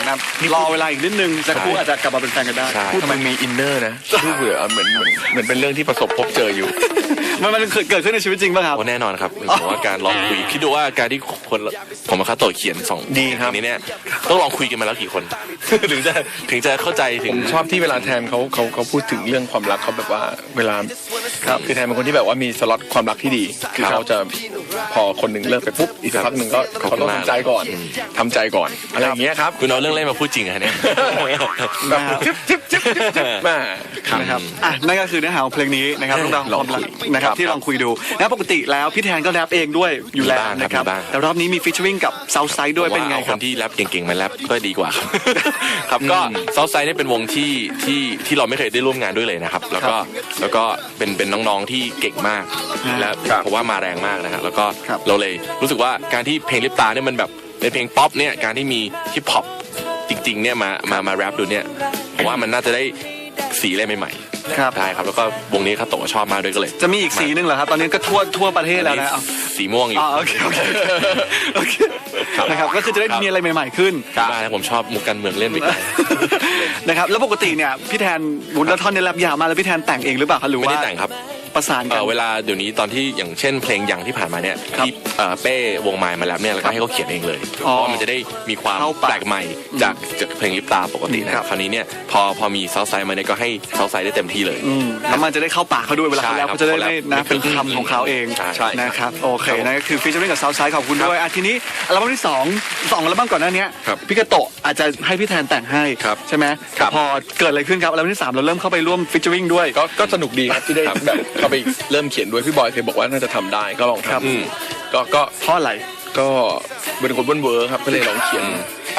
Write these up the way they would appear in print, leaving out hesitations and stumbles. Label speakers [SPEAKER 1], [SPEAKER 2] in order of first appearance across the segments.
[SPEAKER 1] นะครับรอเวลาอีกนิดนึงสักครู่อาจจะกลับมาเป็นแฟนกันได้
[SPEAKER 2] ทำไมมีอินเนอร์นะดูเบื่อเหมือนเป็นเรื่องที่ประสบพบเจออยู่
[SPEAKER 1] มันเกิดขึ้นในชีวิตจริงป่ะครับ
[SPEAKER 3] แน่นอนครับผมว่าการลองคุยคิดดูว่าการที่คนผมกับคาโตะเขียน2
[SPEAKER 2] ดีครับ
[SPEAKER 3] นี้เนี่ยต้องลองคุยกันมาแล้วกี่คน ถึงจะเข้าใจถึ
[SPEAKER 2] ผ
[SPEAKER 3] ง
[SPEAKER 2] มชอบที่เวลาแทนเขาพูดถึงเรื่องความรักเขาแบบว่าเวลาคือแทนเป็นคนที่แบบว่ามีสล็อตความรักที่ดีคือเขาจะพอคนหนึ่งเลิกไปปุ๊บอีกสักพักหนึ่งก็เขาต้องทำใจก่อนอะไรอย่างเงี้ยครับ
[SPEAKER 3] คุณเอาเรื่องเล่นมาพูดจริงอะเนี่ย
[SPEAKER 2] แบบจิ๊บมา
[SPEAKER 1] นะครับนั่นก็คือเนื้อหาของเพลงนี้นะครับเรื่องราวของความรักนะครับที่ลองคุยดูนะปกติแล้วพี่แทนก็แรปเองด้วยอยู่แล้วนะครับแต่รอบนี้มีฟีเจอริ่งกับ Southside ด้วยเป็นไงค
[SPEAKER 3] ครับ นที่แรปเก่งๆมาแรปก็ดีกว่าครับ ครับก็ Southside เนี่ยเป็นวงที่เราไม่เคยได้ร่วมงานด้วยเลยนะครับแล้วก็เป็นน้องๆที่เก่งมากและผมว่ามาแรงมากนะครับแล้วก็เราเลยรู้สึกว่าการที่เพลงลิปตาเนี่ยมันแบบเป็นเพลงป๊อปเนี่ยการที่มีฮิปฮอปจริงๆเนี่ยมาแรปดูเนี่ยผมว่ามันน่าจะได้สีอะไรใหม่ๆ
[SPEAKER 1] ครับ
[SPEAKER 3] ได้ครับแล้วก็วงนี้คาโตะชอบมากด้วยก็เลย
[SPEAKER 1] จะมีอีกสีนึงเหรอครับตอนนี้ก็ทั่วประเทศแล้วนะ
[SPEAKER 3] สีม่วงอยู่
[SPEAKER 1] โอเคนะครับก็คือจะได้มีอะไรใหม่ๆขึ้น
[SPEAKER 3] บ้านะผมชอบมุกการเมืองเล่นไปไกล
[SPEAKER 1] นะครับแล้วปกติเนี่ยพี่แทนวุ้นแล้วท่อนในแรปยาวมาแล้วพี่แทนแต่งเองหรือเปล่าครับหรือ
[SPEAKER 3] ไม่
[SPEAKER 1] ว่า
[SPEAKER 3] ได้แต่งครับ
[SPEAKER 1] ประสานกัน
[SPEAKER 3] เวลาเดี๋ยวนี้ตอนที่อย่างเช่นเพลงอย่างที่ผ่านมาเนี่ยที่เป้วงไมล์มาแล้วเนี่ยแล้วก็ให้เขาเขียนเองเลยเพราะว่ามันจะได้มีความแปลกใหม่จากเพลงลิปตาปกตินะครับคราวนี้เนี่ยพอมีเซาท์ไซด์มาเนี่ยก็ให้เซาท์ไซด์ได้เต็มที่เลย
[SPEAKER 1] แล้วมันจะได้เข้าปากเขาด้วยเวลาเขาแล้วเขาจะได้ไม่นะเป็นคำของเขาเอง
[SPEAKER 3] ใช่
[SPEAKER 1] นะครับโอเคนั่นก็คือฟีเจอริ่งกับ Southside ขอบคุณด้วยทีนี้อัลบั้มที่2อัลบั้มก่อนหน้านี้พี่กระโตะอาจจะให้พี่แทนแต่งให้ใช่ไหมพอเกิดอะไรขึ้นครับอัลบั้มที่3เราเริ่มเข้าไปร่วมฟีเจอริ่งด้วย
[SPEAKER 2] ก็สนุกดีครับที่ได้แบบเข้าไปเริ่มเขียนด้วยพี่บอยเคยบอกว่าน่าจะทำได้ก็ลองทำก็
[SPEAKER 1] เพราะอะไร
[SPEAKER 2] ก็เป็นคนเวิร์ครับก็เลยลองเขียน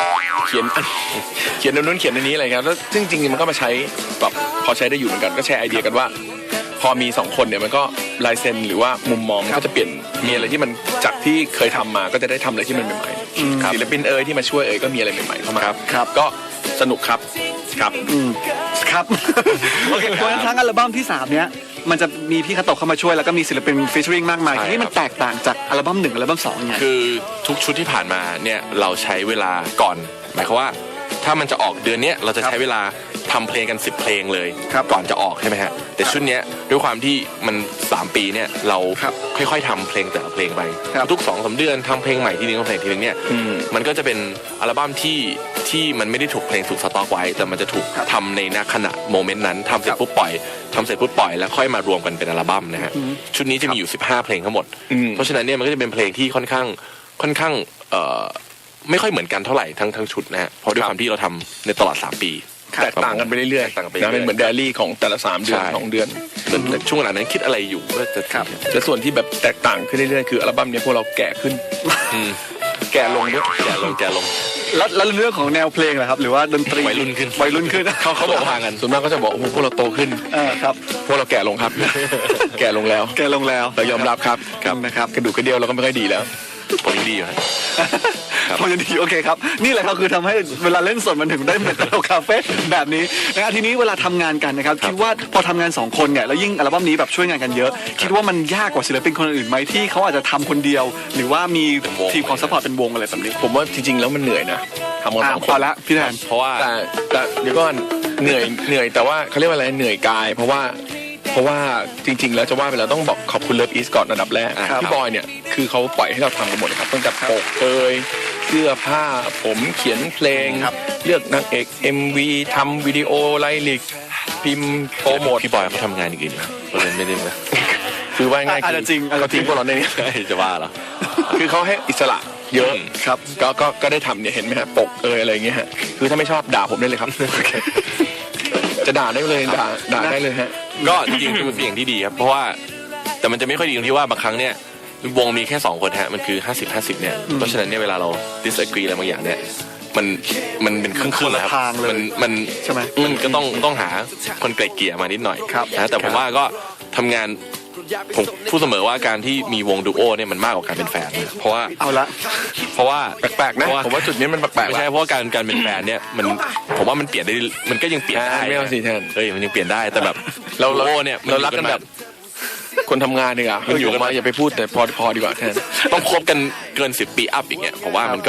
[SPEAKER 2] อันนู้นเขียนอันนี้อะไรครับแล้วซึ่งจริงๆมันก็มาใช้แบบพอใช้ได้อยู่เหมือนกันก็แชร์ไอเดียกันว่า พอมี2คนเนี่ยมันก็ลายเซ็นหรือว่ามุมมองมันก็จะเปลี่ยนมีอะไรที่มันจากที่เคยทำมาก็จะได้ทำอะไรที่มันใหม่ๆศิลปินที่มาช่วยก็มีอะไรใหม่ๆเข้ามาครับก็สนุกครับครับ
[SPEAKER 1] โอเคเพราะฉะนั้นทั้งอัลบั้มที่3เนี้ยมันจะมีพี่คาโตะเข้ามาช่วยแล้วก็มีศิลปินฟีเจอริ่งมากมายทีนี้มันแตกต่างจากอัลบั้ม1อัลบั้ม2ไง
[SPEAKER 3] คือทุกชุดที่ผ่านมาเนี่ยเราใช้เวลาก่อนหมายความว่าถ้ามันจะออกเดือนนี้เราจะใช้เวลาทำเพลงกัน10เพลงเลยก่อนจะออกใช่ไหมฮะแต่ชุดนี้ด้วยความที่มัน3ปีเนี่ยเราค่อยๆทำเพลงแต่ละเพลงไปทุก 2-3 เดือนทำเพลงใหม่ทีนึงเพลงทีนึงเนี่ยมันก็จะเป็นอัลบั้มที่มันไม่ได้ถูกเพลงถูกสต็อกไว้แต่มันจะถูกทำในขณะโมเมนต์นั้นทำเสร็จปุ๊บปล่อยแล้วค่อยมารวมกันเป็นอัลบั้มนะฮะชุดนี้จะมีอยู่15เพลงทั้งหมดเพราะฉะนั้นเนี่ยมันก็จะเป็นเพลงที่ค่อนข้างไม่ค่อยเหมือนกันเท่าไหร่ทั้งชุดนะฮะเพราะด้วยความที่เราทำในตลอด3ปี
[SPEAKER 2] แตกต่างกันไปเรื่อยๆเป็นเหมือนไดอารี่ของแต่ละ3เดือน2เดือน
[SPEAKER 3] แต่ช่วงหลังนั้นคิดอะไรอยู่ว่าจะ
[SPEAKER 2] แต่ส่วนที่แบบแตกต่างขึ้นเรื่อยๆคืออัลบั้มนี้พวกเราแก่ขึ้นแก่ลงด้วย
[SPEAKER 3] แก่ลง
[SPEAKER 1] แล้วเรื่องของแนวเพลงเหรอครับหรือว่าดนตรี
[SPEAKER 3] วัยรุ่นขึ้น
[SPEAKER 2] เขาบอกทางกันส่วนมากก็จะบอกพวกเราโตขึ้น
[SPEAKER 1] ครับ
[SPEAKER 2] พวกเราแก่ลงครับแก่ลงแล้วเรายอมรับครับ
[SPEAKER 1] นะครับ
[SPEAKER 2] กระดูกกระเดี่ยวเราก็ไม่ค่อยดีแล้ว
[SPEAKER 3] ผมยังดีอยู่
[SPEAKER 1] พอจะดีโอเคครับนี่แหละก็คือทำให้เวลาเล่นสดมันถึงได้เป็นเราคาเฟ่แบบนี้นะทีนี้เวลาทำงานกันนะครับคิดว่าพอทำงาน2คนเนี่ยแล้วยิ่งอัลบั้มนี้แบบช่วยงานกันเยอะคิดว่ามันยากกว่าศิลปินคนอื่นไหมที่เขาอาจจะทำคนเดียวหรือว่ามีทีมของซัพพอร์ตเป็นวงอะไรแบบนี้
[SPEAKER 2] ผมว่าจริงๆแล้วมันเหนื่อยนะทำกัน2คน
[SPEAKER 1] พอละพี่แทน
[SPEAKER 3] เพราะว่า
[SPEAKER 2] แต่เดี๋ยวก่อนเหนื่อยแต่ว่าเขาเรียกว่าอะไรเหนื่อยกายเพราะว่าจริงๆแล้วจะว่าไปแล้วต้องบอกขอบคุณเลิฟอีสก่อนอันดับแรกพี่บอยเนี่ยคือเขาปล่อยให้เราทำกันหมดครับตั้งแต่ปกเสื้อผ้าผมเขียนเพลงเลือกนางเอก MV ทำวิดีโอไลลิกพิมพ์โปรโมท
[SPEAKER 3] พี่บอยเขาทำงานอย่างอื่นครับเราไม่ได้นะ
[SPEAKER 2] คือว่าง่าย
[SPEAKER 1] คือจริง
[SPEAKER 2] เขาทิ้งพวกเราในนี้
[SPEAKER 3] จะว่าเหรอ
[SPEAKER 2] คือเขาให้อิสระเยอะครับก็ได้ทำเนี่ยเห็นไหมฮะปกอะไรอย่างเงี้ยฮะคือถ้าไม่ชอบด่าผมได้เลยครับจะด่าได้เลยด่าได้เลยฮะ
[SPEAKER 3] ก็จริงๆเป็นสิ่งที่ดีครับเพราะว่าแต่มันจะไม่ค่อยดีตรงที่ว่าบางครั้งเนี่ยวงมีแค่2คนฮะมันคือ50-50เนี่ยเพราะฉะนั้นเนี่ยเวลาเรา disagree อะไรบางอย่างเนี่ยมันเป็นครึ่งๆนะครับมัน
[SPEAKER 1] ใช่ไหม
[SPEAKER 3] มันก็ต้องหาคนไกลเกลี่ยมานิดหน่อยนะแต่ผมว่าก็ทำงานผมพูดเสมอว่าการที่มีวงดูโอเนี่ยมันมากกว่าการเป็นแฟนเพราะว่าเพราะว่า
[SPEAKER 2] แปลกๆนะผมว่าจุดนี้มันแปลกๆ
[SPEAKER 3] ไม่ใช่เพราะการเป็นแฟนเนี่ยผมว่ามันเปลี่ยนได้มันก็ยังเปลี่ยนได้
[SPEAKER 2] ไม่เอาสิแทน
[SPEAKER 3] มันยังเปลี่ยนได้แต่แบบดูโอเนี่ย
[SPEAKER 2] เรารักกันแบบคนทำงานดีกว่าอยู่กันมาอย่าไปพูดแต่พอดีกว่าแทน
[SPEAKER 3] ต้องคบกันเกิน10 ปีอัพอย่างเงี้ยผมว่ามันก็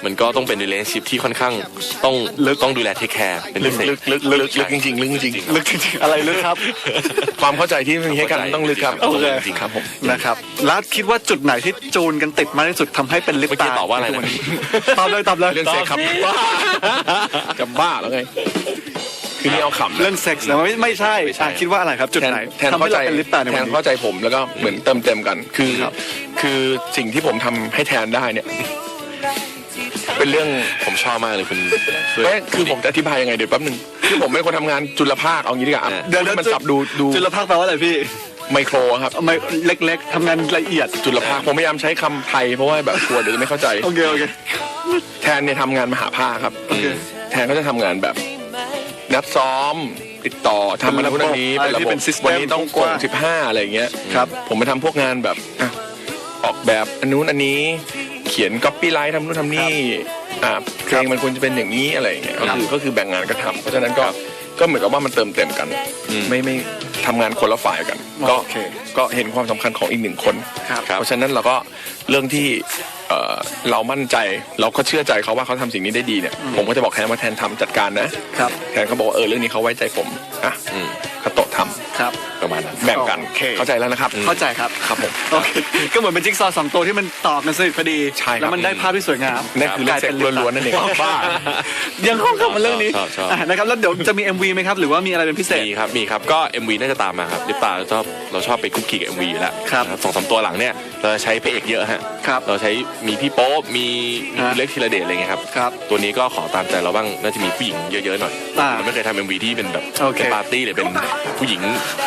[SPEAKER 3] มันก็ต้องเป็น relationship ที่ค่อนข้างต้องดูแลเทคแคร์เป็นพิเศษ
[SPEAKER 2] ลึกจริงๆลึกจริง
[SPEAKER 1] ลึกจริงๆอะไรลึกครับ
[SPEAKER 2] ๆความเข้าใจที่มีให้กันต้องลึกครับ
[SPEAKER 1] โอเค
[SPEAKER 2] จริงๆครับผม
[SPEAKER 1] นะครับแล้วคิดว่าจุดไหนที่จูนกันติดมากที่สุดทำให้เป็นลิป
[SPEAKER 3] เมื่อกี้
[SPEAKER 1] ตา
[SPEAKER 3] ตอบว่าอะไรนะ
[SPEAKER 1] ตอบเลย
[SPEAKER 2] เรื่องเซ็กครับจะบ้าแล้วไงคือนี่เอาขำนะ
[SPEAKER 1] เรื่องเซ็กส์นะไม่ใช่คิดว่าอะไรครับจุดไหน
[SPEAKER 2] แทน
[SPEAKER 1] ทำให้
[SPEAKER 2] เข้าใจ
[SPEAKER 1] เราเป็นลิปตาใน
[SPEAKER 2] แท
[SPEAKER 1] วัน
[SPEAKER 2] น
[SPEAKER 1] นี้
[SPEAKER 2] เข้าใจผมแล้วก็เหมือนเติมเต็มกันคือสิ่งที่ผมทำให้แทนได้เนี่ยเป็นเรื่อง
[SPEAKER 3] ผมชอบมากเลยคุณช่วย
[SPEAKER 2] ไม่คือผมจะอธิบายยังไงเดี๋ยวแป๊บนึงคือผมเป็นคนทำงานจุลภาคเอางี้ดีกว่า
[SPEAKER 1] เดี๋ยว
[SPEAKER 2] ให้มันสับดู
[SPEAKER 1] จุลภาคแปลว่าอะไรพี่
[SPEAKER 2] ไมโครครับ
[SPEAKER 1] ไม่เล็กๆทำงานละเอียด
[SPEAKER 2] จุลภาคผมพยายามใช้คำไทยเพราะว่าแบบกลัวเดี๋ยวจะไม่เข้าใจ
[SPEAKER 1] โอเค
[SPEAKER 2] แทนเนี่ยทำงานมหาภาคครับ
[SPEAKER 1] โอเค
[SPEAKER 2] แทนก็จะทำงานแบบนัดซ้อมติดต่อทำอะไรพวกนี้
[SPEAKER 1] เป็นระบบ
[SPEAKER 2] เป็นระบบ
[SPEAKER 1] เป็น system
[SPEAKER 2] วันนี้ต้อง
[SPEAKER 1] ก
[SPEAKER 2] ส่
[SPEAKER 1] ว้าง ง
[SPEAKER 2] 15อะไรอย่างเงี้ย
[SPEAKER 1] ครับ
[SPEAKER 2] ผมไปทำพวกงานแบบอ่ะออกแบบอันนู้นอันนี้เขียนก๊อปปี้ไลท์ทำนู่นทำนี่เพลงมันควรจะเป็นอย่างนี้อะไรอย่างเงี้ยก็คือแบ่งงานกันทำเพราะฉะนั้นก็เหมือนกับว่ามันเติมเต็มกันไม่ทำงานคนละฝ่ายกัน
[SPEAKER 1] โอเค
[SPEAKER 2] ก็เห็นความสำคัญของอีกหนึ่งคน
[SPEAKER 1] ครับ
[SPEAKER 2] เพราะฉะนั้นเราก็เรื่องที่เรามั่นใจเราก็เชื่อใจเขาว่าเขาทำสิ่งนี้ได้ดีเนี่ยผมก็จะบอกแทนว่าแทนทำจัดการนะครับ แทนเขาบอกว่าเรื่องนี้เขาไว้ใจผมอ่ะคาโตะทำ
[SPEAKER 1] ครับ
[SPEAKER 3] ประมาณนั้น
[SPEAKER 2] แบ่งกัน
[SPEAKER 1] โอเค
[SPEAKER 2] เข้าใจแล้วนะครับ
[SPEAKER 1] เข้าใจครับ
[SPEAKER 2] ครับผม
[SPEAKER 1] โอเคก็เหมือนเป็นจิ๊กซอว์สองตัวที่มันต่อกันสนิทพอดี
[SPEAKER 2] ใช่ครับ
[SPEAKER 1] แล้วมันได้ภาพที่สวยงาม
[SPEAKER 2] นั่นคือเรื่องเซ็กล้วนๆนั่นเอง
[SPEAKER 1] บ้ายังเข้ากับมาเรื่องนี้
[SPEAKER 3] ชอบ
[SPEAKER 1] นะครับแล้วเดี๋ยวจะมี MV ไหมครับหรือว่ามีอะไรเป็นพิเศษ
[SPEAKER 3] มีครับก็ MV น่าจะตามมาครับลิปตาเราชอบไปคุกคีกับ MV อยู่แล้ว
[SPEAKER 1] ครับ
[SPEAKER 3] สองสามตัวหลังเนี่ยเราจะใช้พระเอกเยอะฮะ
[SPEAKER 1] ครับ
[SPEAKER 3] เราใช้มีพี่โป๊ปมีคุณ
[SPEAKER 1] ฮะ
[SPEAKER 3] เล็กธีรเดชอะไรเงี้ยครับ
[SPEAKER 1] ครับ
[SPEAKER 3] ตัวนี้ก็ขอตามใจเราบ้างน่าจะมีผู้หญิงเยอะๆหน่อย
[SPEAKER 1] อ่า
[SPEAKER 3] เราไม่เคยทำ MV ที่เป็นแบบ
[SPEAKER 1] โอเค
[SPEAKER 3] เป็นปาร์ตี้หรือเป็นผู้หญิง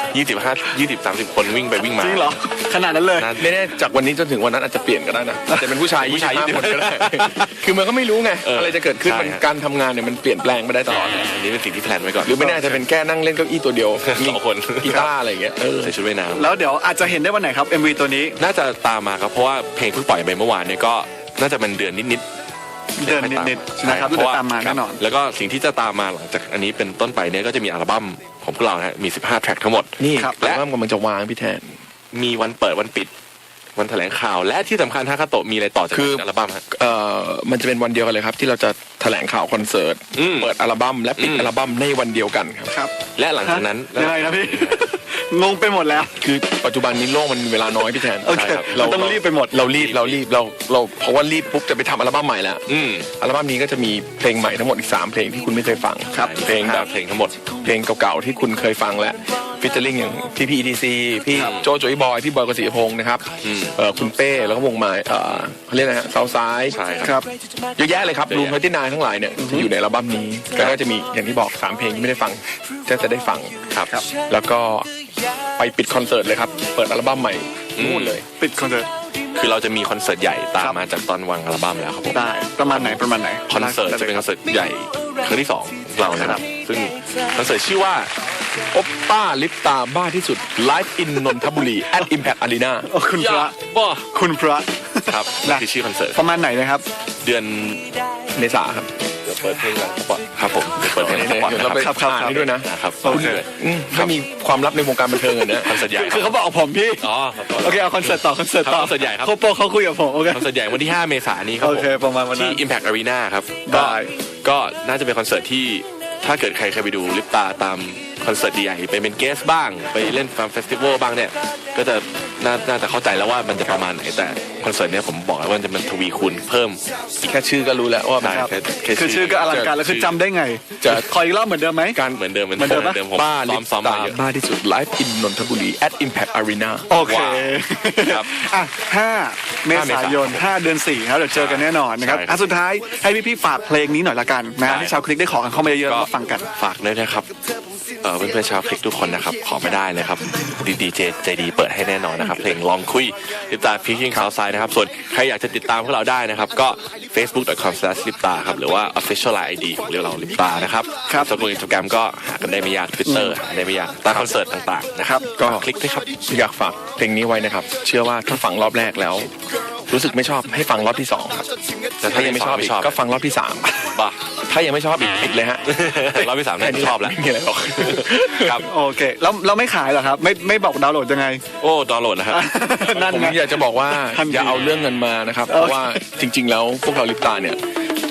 [SPEAKER 3] 20-30 คนวิ่งไปวิ่งมา
[SPEAKER 1] จริงเหรอขนาดนั้นเลย
[SPEAKER 3] น่า
[SPEAKER 2] ไม่แน่จากวันนี้จนถึงวันนั้นอาจจะเปลี่ยนก็ได้นะอาจจะเป็นผู้ชาย
[SPEAKER 3] ผู้ชาย
[SPEAKER 2] 25คนก็ได้ คือมันก็ไม่รู้ไง อะไรจะเกิดขึ้น
[SPEAKER 3] ใช่
[SPEAKER 2] มัน
[SPEAKER 3] ฮะ
[SPEAKER 2] การทำงานเนี่ยมันเปลี่ยนแปลงไปได้ตลอด
[SPEAKER 3] อันนี้เป็นสิ่งที่แพลนไว้ก่อน
[SPEAKER 2] หรือไม่แน่อาจจะเป็นแค่นั่งเล่นเก้าอี้ตัวเดียว
[SPEAKER 3] สองคน
[SPEAKER 2] กีตาร์อะไรอย่างเงี้ย
[SPEAKER 3] ใส่ชุดว่ายน้ำ
[SPEAKER 1] แล้วเดี๋ยวอาจจะเห็นได้วันไหนครับ MV ตัวนี้
[SPEAKER 3] น่าจะตามมาครับเพราะว่าเพลงเพิ่งปล่อยไปเมื่อวานเนี่ยก็น่าจะเป็นเดือนนิดๆ
[SPEAKER 1] เดือนนิดๆนะครับ
[SPEAKER 3] ใช่
[SPEAKER 1] เดี๋ยวตามมาแน่นอน
[SPEAKER 3] แล้วก็สิ่งที่จะตามมาหลังจากอันนี้เป็นต้นไปเนี่ยก็จะมีอัลบั้มของพวกเรานะฮะมี15 แทร็กทั้งหมด
[SPEAKER 2] นี่
[SPEAKER 1] ครับ
[SPEAKER 2] และกำลังจะวางพี่แทน
[SPEAKER 3] มีวันเปิดวันปิด วันแถลงข่าว และที่สำคัญฮะคาโตะมีอะไรต่อจาก
[SPEAKER 2] คือ
[SPEAKER 3] อัลบั้มฮะ
[SPEAKER 2] มันจะเป็นวันเดียวกันเลยครับ ที่เราจะแถลงข่าวคอนเสิร์ต
[SPEAKER 3] อืม
[SPEAKER 2] เปิดอัลบั้มและปิด
[SPEAKER 3] อืม
[SPEAKER 2] อัลบั้มในวันเดียวกันครับ
[SPEAKER 1] ครับ
[SPEAKER 3] และหลังจากนั้น
[SPEAKER 1] ยังไงนะพี่ งงไปหมดแล้ว
[SPEAKER 2] คือปัจจุบันนี้โลกมันมีเวลาน้อยพี่แทน
[SPEAKER 1] โอเค
[SPEAKER 2] ใช่ครับ
[SPEAKER 1] มันต้องรีบไปหมด
[SPEAKER 2] เรารีบเพราะว่ารีบปุ๊บจะไปทำอัลบั้มใหม่แล้ว
[SPEAKER 3] อืม
[SPEAKER 2] อัลบั้มนี้ก็จะมีเพลงใหม่ทั้งหมดอีก3เพลงที่คุณไม่เคยฟัง
[SPEAKER 3] ครับ
[SPEAKER 2] เพลงแบบ
[SPEAKER 3] เพลงทั้งหมด
[SPEAKER 2] เพลงเก่าๆที่คุณเคยฟังแล้วฟิชเชอร์ลิงอย่างพี่พีETC พี่โจโจยบอยพี่บอยกฤษพงศ์นะครับ
[SPEAKER 3] อืม
[SPEAKER 2] คุณเป้แล้วก็วงใหม่เขาเรียกอะไรฮะเซาซ้าย
[SPEAKER 3] ใช่
[SPEAKER 1] ค
[SPEAKER 3] ค
[SPEAKER 1] รั
[SPEAKER 3] รับ
[SPEAKER 1] บ
[SPEAKER 2] เยอะแยะเลยครับรูม29ทั้งหลายเนี่ยจะอยู่ในอัลบั้มนี้แล้วก็จะมีอย่างที่บอก3เพลงที่ไม่ได้ฟังจะได้ฟัง
[SPEAKER 3] ครับ
[SPEAKER 2] แล้วก็ไปปิดคอนเสิร์ตเลยครับเปิดอัลบั้มใหม่นู่นเลย
[SPEAKER 1] ปิดคอนเสิร์ต
[SPEAKER 3] คือเราจะมีคอนเสิร์ตใหญ่ตา
[SPEAKER 1] ครั
[SPEAKER 3] ม
[SPEAKER 1] บ
[SPEAKER 3] มาจากตอนวางอัลบั้มแล้วครับผม
[SPEAKER 1] ได้ประมาณไหน
[SPEAKER 3] คอนเสิร์ตจะเป็นคอนเสิร์ตใหญ่ครั้งที่2ของเรานะครับซึ่งคอนเสิร์ตชื่อว่า
[SPEAKER 2] โอปป้าลิปตาบ้าที่สุด Live in นนทบุรี at Impact Arena
[SPEAKER 1] โอ้คุณพระ
[SPEAKER 3] บ้า
[SPEAKER 1] คุณพระ
[SPEAKER 3] ครับ
[SPEAKER 1] นะ
[SPEAKER 3] คือชื่อคอนเสิร์ต
[SPEAKER 1] ประมาณไหนนะครับ
[SPEAKER 3] เดือน
[SPEAKER 2] เมษาครับ
[SPEAKER 3] เดี๋ยวเปิดเพลงหลังสปอตครับผมเดี๋ยวเปิดเพลงหลังสปอตนะ
[SPEAKER 2] เราไป
[SPEAKER 3] ครับ
[SPEAKER 2] อ่านให้ด้วยนะ
[SPEAKER 3] นะครับ
[SPEAKER 1] โอเค
[SPEAKER 2] ไม่มีความลับในวงการบันเทิงเลยนะ
[SPEAKER 3] คอนเสิร์ตใหญ่
[SPEAKER 1] คือเขาบอกผมพี่
[SPEAKER 3] อ๋อ
[SPEAKER 1] โอเคเอาคอนเสิร์ตต่อคอนเสิร์ตต่อ
[SPEAKER 3] คอนเสิร์ตใหญ่ครับ
[SPEAKER 1] โคโปเขาคุยกับผมโอเค
[SPEAKER 3] คอนเสิร์ตใหญ่วันที่ 5 เมษายนนี้ครับ
[SPEAKER 1] โอ
[SPEAKER 3] ผม
[SPEAKER 1] เคประมาณวันนั้น
[SPEAKER 3] ที่ Impact Arena ครับ
[SPEAKER 1] ได้
[SPEAKER 3] ก็น่าจะเป็นคอนเสิร์ตที่ถ้าเกิดใครเคยไปดูลิปตาตามคอนเสิร์ตใหญ่ไปเป็นเกสบ้าง ไปเล่นฟาร์มเฟสติวัลบ้างเนี่ยก็จะน่าจะเข้าใจแล้วว่ามันจะประมาณไหนแต่คอนเสิร์ตเนี้ยผมบอกแล้วว่ามันทวีคูณเพิ่ม
[SPEAKER 2] แค่ชื่อก็รู้แล้วว่ามัน
[SPEAKER 3] ได้
[SPEAKER 1] คือชื่อก็อลังการแล้วคือจำได้ไง
[SPEAKER 2] จะ
[SPEAKER 1] ขออีกรอบเหมือนเดิมไหม
[SPEAKER 2] การ
[SPEAKER 3] เหมือนเดิม
[SPEAKER 1] เหมือนเดิมปะ
[SPEAKER 3] ผม
[SPEAKER 2] บ้าลิ
[SPEAKER 3] ซ้
[SPEAKER 2] ป
[SPEAKER 3] อม
[SPEAKER 2] ตา
[SPEAKER 3] มาเยอะ
[SPEAKER 2] บ้าที่สุด Live in นนทบุรี at Impact Arena
[SPEAKER 1] โอเค
[SPEAKER 3] ว้าวครับ
[SPEAKER 1] อ่ะ5 เมษายน 5 เดือน 4 ครับเดี๋ยวเจอกันแน่นอนนะครับ
[SPEAKER 3] ใช่ครับ
[SPEAKER 1] อ่ะสุดท้ายให้พี่ๆฝากเพลงนี้หน่อยละกันนะ
[SPEAKER 3] ได้
[SPEAKER 1] ที่ชาวคลิกได้ขอกันเข้ามาเยอะๆแล้วมาฟังกัน
[SPEAKER 3] ฝากด้วยนะครับเพื่อนๆชาวคลิกทุกคนนะครับขอไม่ได้เลยครับดีเจใจดีเปิดให้แน่นอนนะครับเพลงลองคุยลิปตาฟิชชิ่งข่าวไซด์นะครับส่วนใครอยากจะติดตามพวกเราได้นะครับก็ facebook.com/lipta ครับหรือว่า official line ID ของเราลิปตานะครับ
[SPEAKER 1] ครับ
[SPEAKER 3] ส่วน Instagram ก็หากันได้ไม่ยาก Twitter หาได้ไม่ยากตามคอนเสิร์ตต่างๆนะครับ
[SPEAKER 2] ก็
[SPEAKER 3] คลิกด้วยครับ
[SPEAKER 2] อยากฝากเพลงนี้ไว้นะครับ เชื่อว่าถ้าฟังรอบแรกแล้ว รู้สึกไม่ชอบให้ฟังรอบที่2ครับ
[SPEAKER 3] แต่
[SPEAKER 2] ถ้ายังไม่ชอบอีกก็ฟังรอบที่3
[SPEAKER 3] บ้า
[SPEAKER 2] ถ้ายังไม่ชอบอีกปิดเลยฮะ
[SPEAKER 3] รอบที่ 3น่าจะชอบแล้ว
[SPEAKER 2] ไม่มีอะไรหรอก
[SPEAKER 3] ครับ
[SPEAKER 1] โอเคแล้วเราไม่ขายเหรอครับไม่บอกดาวน์โหลดยังไง
[SPEAKER 3] โอ้ดาวน์โหลดนะครับ
[SPEAKER 1] นั่น
[SPEAKER 2] ผม
[SPEAKER 1] ไง
[SPEAKER 2] อยากจะบอกว่า
[SPEAKER 1] ทันที
[SPEAKER 2] อย่าเอาเรื่องเงินมานะครับ เพราะว่าจริง ๆ แล้วพวกเราลิปตาเนี่ย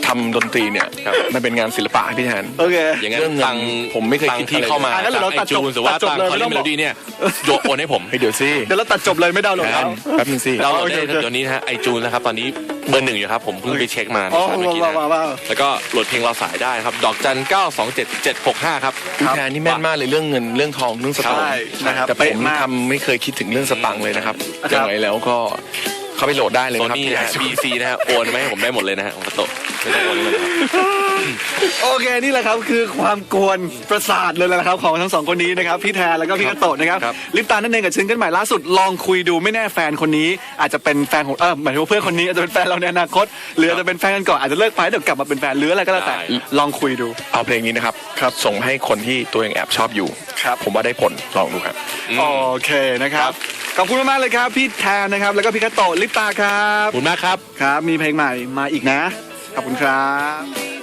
[SPEAKER 2] ทำดนตรีเนี่ยมันเป็นงานศิลปะให้พี่แทน
[SPEAKER 1] โอเค
[SPEAKER 3] อย่างนั้น
[SPEAKER 2] เรื่องเงิน
[SPEAKER 3] ตังค์
[SPEAKER 2] ผมไม่เคยคิด
[SPEAKER 3] ที่
[SPEAKER 2] อะไร
[SPEAKER 3] เข้ามา
[SPEAKER 1] งั้นเดี๋ยวเรา
[SPEAKER 3] ไอจูนหรือว่า
[SPEAKER 1] ตัดจบ
[SPEAKER 3] ตัง
[SPEAKER 1] เลย
[SPEAKER 3] คอ
[SPEAKER 1] ไม่
[SPEAKER 3] ลิ
[SPEAKER 1] ต้อง
[SPEAKER 3] เม
[SPEAKER 1] บ
[SPEAKER 3] โล
[SPEAKER 1] อก
[SPEAKER 3] ดี้เนี่ยโยนโอนให้ผม
[SPEAKER 2] เฮ้ยเดี๋ยวสิ
[SPEAKER 1] เดี๋ยวเราตัดจบเลยไม่ดาวน์โหลดแล้ว
[SPEAKER 2] แป๊บนึงสิ
[SPEAKER 3] เรา
[SPEAKER 1] โอเค
[SPEAKER 3] ได้ตัวนี้นะฮะไอจูนนะครับตอนนี้เบอร์ 1อยู่ครับผมเพิ่งไปเช็คมา
[SPEAKER 1] อ๋อ
[SPEAKER 3] เมื่อกี้นะ
[SPEAKER 1] ว้าว
[SPEAKER 3] แล้วก็โหลดเพลงรอสายได้ครับดอกจัน 927 765 ครับ
[SPEAKER 2] พี่แทนนี่แม่นมากเลยเรื่องเงินเรื่องทองเรื่องสตางค์
[SPEAKER 1] ใช่นะครับ
[SPEAKER 2] แต่ผ
[SPEAKER 1] เป๊ะ
[SPEAKER 2] ม
[SPEAKER 1] มาก
[SPEAKER 2] ทำไม่เคยคิดถึงเรื่องสตังค์เลยนะครับ
[SPEAKER 1] ครับ
[SPEAKER 2] ยังไงแล้วก็เข้าไปโหลดได้เลย
[SPEAKER 3] โซ
[SPEAKER 2] นะครับ
[SPEAKER 3] นี่นะฮะ BC นะฮะโอนมาให้ผมได้หมดเลยนะฮะของกระโตะไม่ต้องโอนเลยนะครับ
[SPEAKER 1] โอเคนี่แหละครับคือความกวนประสาทเลยนะครับของทั้งสองคนนี้นะครับพี่แทนแล้วก็พี่กระโตะนะครับ
[SPEAKER 3] ครับ
[SPEAKER 1] ลิปตานั่นเองกับซิงเกิลใหม่ล่าสุดลองคุยดูไม่แน่แฟนคนนี้ อาจจะเป็นแฟนของหมายถึงว่าเพื่อนคนนี้อาจจะเป็นแฟนเราในอนาคตหรืออาจจะเป็นแฟนกันก่อนอาจจะเลิกไปเดี๋ยวกลับมาเป็นแฟนหรืออะไรก็แล้วแต่ลองคุยดู
[SPEAKER 2] เอาเพลงนี้นะครับส่งให้คนที่ตัวเองแอบชอบอยู่
[SPEAKER 1] ครับ
[SPEAKER 2] ผมว่าได้ผลลองดูครับ
[SPEAKER 1] โอเคนะครับขอบคุณมากๆเลยครับพี่แทนนะครับแล้วก็พี่กระโตะลิปตาครับ
[SPEAKER 3] ขอบคุณมากครับ
[SPEAKER 1] ครับมีเพลงใหม่มาอีกนะขอบคุณครับ